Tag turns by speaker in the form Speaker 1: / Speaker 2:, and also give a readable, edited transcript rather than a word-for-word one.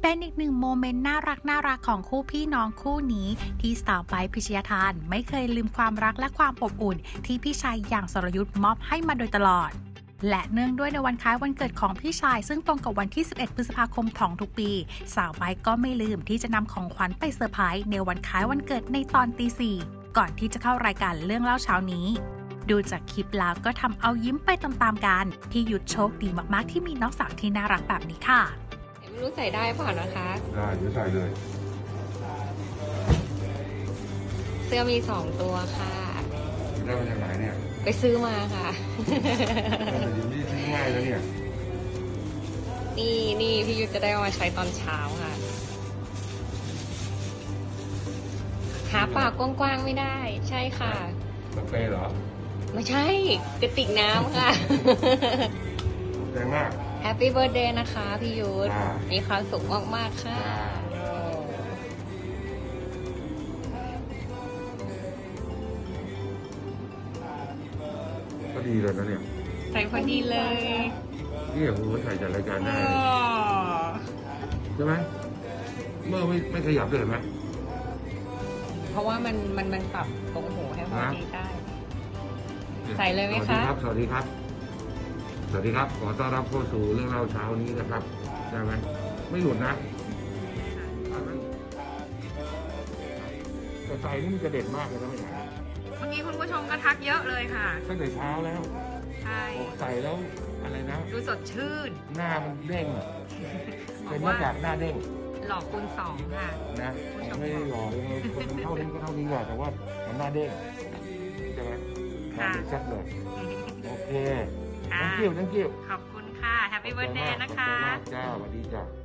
Speaker 1: เป็นอีกหนึ่งโมเมนต์น่ารักของคู่พี่น้องคู่นี้ที่สาวไบร์ทพิชยาทานไม่เคยลืมความรักและความอบอุ่นที่พี่ชายอย่างสรยุทธ์มอบให้มาโดยตลอดและเนื่องด้วยในวันคล้ายวันเกิดของพี่ชายซึ่งตรงกับวันที่ 11 พฤษภาคมของทุกปีสาวไบร์ทก็ไม่ลืมที่จะนำของขวัญไปเซอร์ไพรส์ในวันคล้ายวันเกิดในตอนตี 4ก่อนที่จะเข้ารายการเรื่องเล่าเช้านี้ดูจากคลิปแล้วก็ทำเอายิ้มไปตามๆกันพี่ยุทธโชคดีมากๆที่มีน้องสาวที่น่ารักแบบนี้ค่ะ
Speaker 2: ไม่รู้ใส่ได้เปล่านะคะ
Speaker 3: ได้เดี๋ยวใส่เลย
Speaker 2: เสื้อมี2 ตัวค่ะ
Speaker 3: ได้มาจากไหนเนี่ย
Speaker 2: ไปซื้อมาค่ะ
Speaker 3: แต่ยินดีซื้อง่ายแล้วเนี่ย
Speaker 2: นี่พี่ยุทธจะได้เอามาใช้ตอนเช้าค่ะ หาปากกว้างๆไม่ได้ ใช่ค่ะ
Speaker 3: สเปรย์เหรอ
Speaker 2: ไม่ใช่กระติกน้ำค่ะ
Speaker 3: แรงมาก
Speaker 2: แฮปปี้เบิร์ดเดย์นะคะพี่ยุทธ
Speaker 3: อ่ามี
Speaker 2: มีความสุขมากๆค่ะ
Speaker 3: ก็ดีเลยนะเนี่ย
Speaker 2: ใส่พอดีเลย
Speaker 3: นี่โอ้โหใส่จัดรายการได้เลยใช่ไหมเมื่อไม่ขยับเลยเห็นไหม
Speaker 2: เพราะว่ามันปรับตรงหูให้พอดีได้ ใส่เลยไหมคะ
Speaker 3: สวัสดีครับ สวัสดีครับ ขอต้อนรับเข้าสู่เรื่องเล่าเช้านี้นะครับได้ไหมไม่หลุดนะแต่ใส่นี่มันจะเด็ดมากเลยนะไม่ใช่
Speaker 2: เมื่อกี้คุณผู้ชมก็ทักเยอะเลยค่ะ
Speaker 3: ตั้งแต่เช้าแล้ว
Speaker 2: ใช่
Speaker 3: บอกใส่แล้วอะไรนะ
Speaker 2: ดูสดชื่น
Speaker 3: หน้ามันเด้งอะ
Speaker 2: บ
Speaker 3: เป็
Speaker 2: อน ก
Speaker 3: หน้า
Speaker 2: ว่า
Speaker 3: กากหน้าเด้ง
Speaker 2: หลอกคูณ2ค่ะ
Speaker 3: นะไม่ได้หล่อเลยคนมันเท่านี้ก็เท่านี้แหละแต่ว่ามันหน้าเด้งใช่ไหมหน้าเด้งชัดเลยโอเค
Speaker 2: ค่ะ
Speaker 3: thank you
Speaker 2: ขอบคุณค่ะ แฮปปี้เบิร์ดเดย์นะคะ
Speaker 3: ขอบคุณมากจ้าสวัสดีจ้า